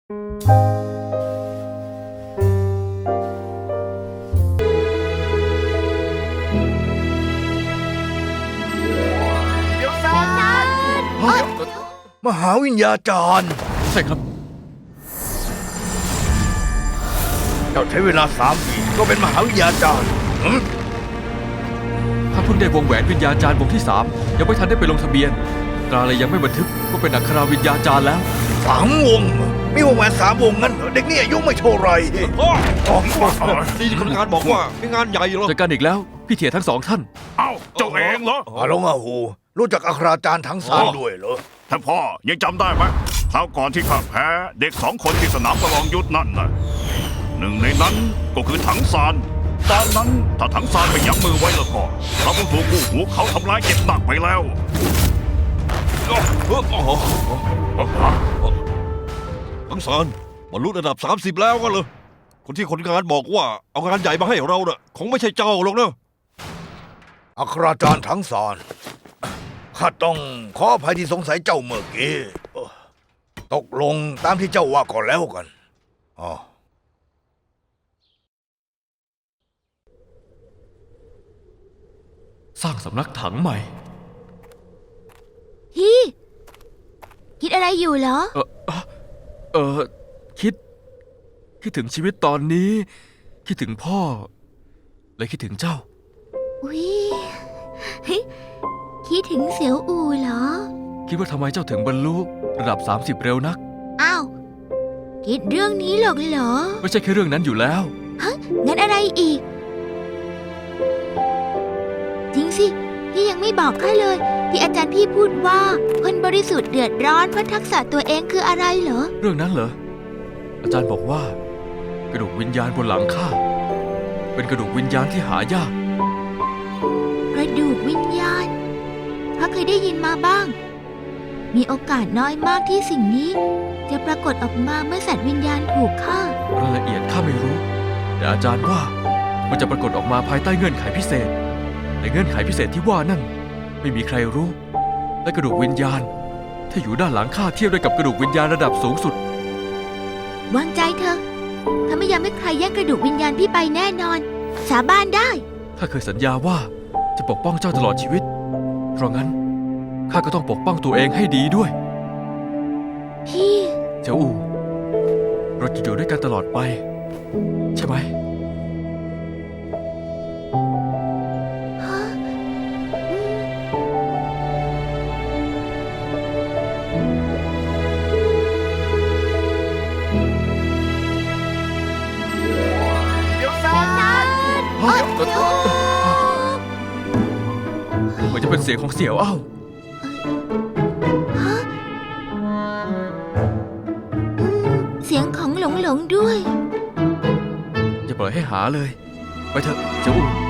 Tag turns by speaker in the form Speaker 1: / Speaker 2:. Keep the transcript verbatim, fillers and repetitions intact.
Speaker 1: เดี๋ยวซานมหาวิญญาจารย์
Speaker 2: ใช่ครับ
Speaker 1: เจ้าใช้เวลาสามปีก็เป็นมหาวิญญาจารย์หึ
Speaker 2: ถ้าเพิ่งได้วงแหวนวิญญาจารย์วงที่สามยังไม่ทันได้ไปลงทะเบียนตราเลยยังไม่บันทึกว่าเป็นอัคราวิญญาจารย์แล้ว
Speaker 1: สามวงมีวงแหวนสามวงงั้นเหรอเด็กนี่อายุไม่เท่าไร
Speaker 3: พ่อ
Speaker 1: อ๋อ
Speaker 3: นี่คนงานบอกว่ามีงานใหญ่เหรอ
Speaker 2: เจอกันอีกแล้วพี่เถียทั้งสองท่าน
Speaker 4: เอ้าเจ้าเองเหรอ
Speaker 1: อาลงอาหูรู้จักอัคราจารย์ทั้งสามด้วยเหรอ
Speaker 4: ท่านพ่อยังจำได้ไหมคราวก่อนที่ข้าแพ้เด็กสองคนที่สนามประลองยุทธนั่นน่ะหนึ่งในนั้นก็คือถังซานตอนนั้นถ้าถังซานไม่ยั้งมือไว้แล้วก็เราคงถูกกู้หูเขาทำร้ายเจ็บหนักไปแล้ว
Speaker 3: ทั้งสารบรรลุระดับสามสิบแล้วก็เลยคนที่คนงานบอกว่าเอางานใหญ่มาให้เราเน่ะคงไม่ใช่เจ้าหรอกนะ
Speaker 1: อัคราจารย์ทั้งสารข้าต้องขออภัยที่สงสัยเจ้าเมื่อกี้เออตกลงตามที่เจ้าว่าก็แล้วกันอ๋อ
Speaker 2: สร้างสำนักถังใหม่
Speaker 5: พี่คิดอะไรอยู่เหรอ
Speaker 2: เออเออคิด คิดถึงชีวิตตอนนี้ คิดถึงพ่อ และคิดถึงเจ้า
Speaker 5: อุ๊ยเฮ้ยคิดถึงเสียวอูเหรอ
Speaker 2: คิดว่าทำไมเจ้าถึงบรรลุระดับสามสิบเร็วนัก
Speaker 5: อ้าวคิดเรื่องนี้หรอกเหรอ
Speaker 2: ไม่ใช่แค่เรื่องนั้นอยู่แล้ว
Speaker 5: ฮะงั้นอะไรอีก จริงสิพี่ยังไม่บอกข้าเลย ที่อาจารย์พี่พูดว่าคนบริสุทธิ์เดือดร้อนเพราะทักษะตัวเองคืออะไรเหรอ
Speaker 2: เรื่องนั้นเหรอ อาจารย์บอกว่า กระดูกวิญญาณบนหลังข้าเป็นกระดูกวิญญาณที่หายาก
Speaker 5: กระดูกวิญญาณข้าเคยได้ยินมาบ้าง มีโอกาสน้อยมากที่สิ่งนี้ จะปรากฏออกมาเมื่อสัตว์วิญญาณถูกฆ่าร
Speaker 2: ายละเอียดข้าไม่รู้ แต่อาจารย์ว่ามันจะปรากฏออกมาภายใต้เงื่อนไขพิเศษในเงื่อนไขพิเศษที่ว่านั่นไม่มีใครรู้ และกระดูกวิญญาณที่อยู่ด้านหลังข้าเทียบได้กับกระดูกวิญญาณระดับสูงสุด
Speaker 5: วางใจเถอะข้าไม่ยอมให้ใครแย่งกระดูกวิญญาณพี่ไปแน่นอน สาบานได้
Speaker 2: ข้าเคยสัญญาว่าจะปกป้องเจ้าตลอดชีวิต เพราะงั้นข้าก็ต้องปกป้องตัวเองให้ดีด้วย
Speaker 5: พี่
Speaker 2: เจ้าอูเราจะอยู่ด้วยกันตลอดไป ใช่ไหม
Speaker 5: ฮะอืม
Speaker 1: เดี๋ยวซาน
Speaker 5: เอ้ยโย
Speaker 2: เหมือนจะเป็นเสียงของเสี่ยวอ้าว
Speaker 5: ฮะอืมเสียงของหลงหลงด้วย
Speaker 2: อย่าปล่อยให้หาเลย ไปเถอะเจ้าอู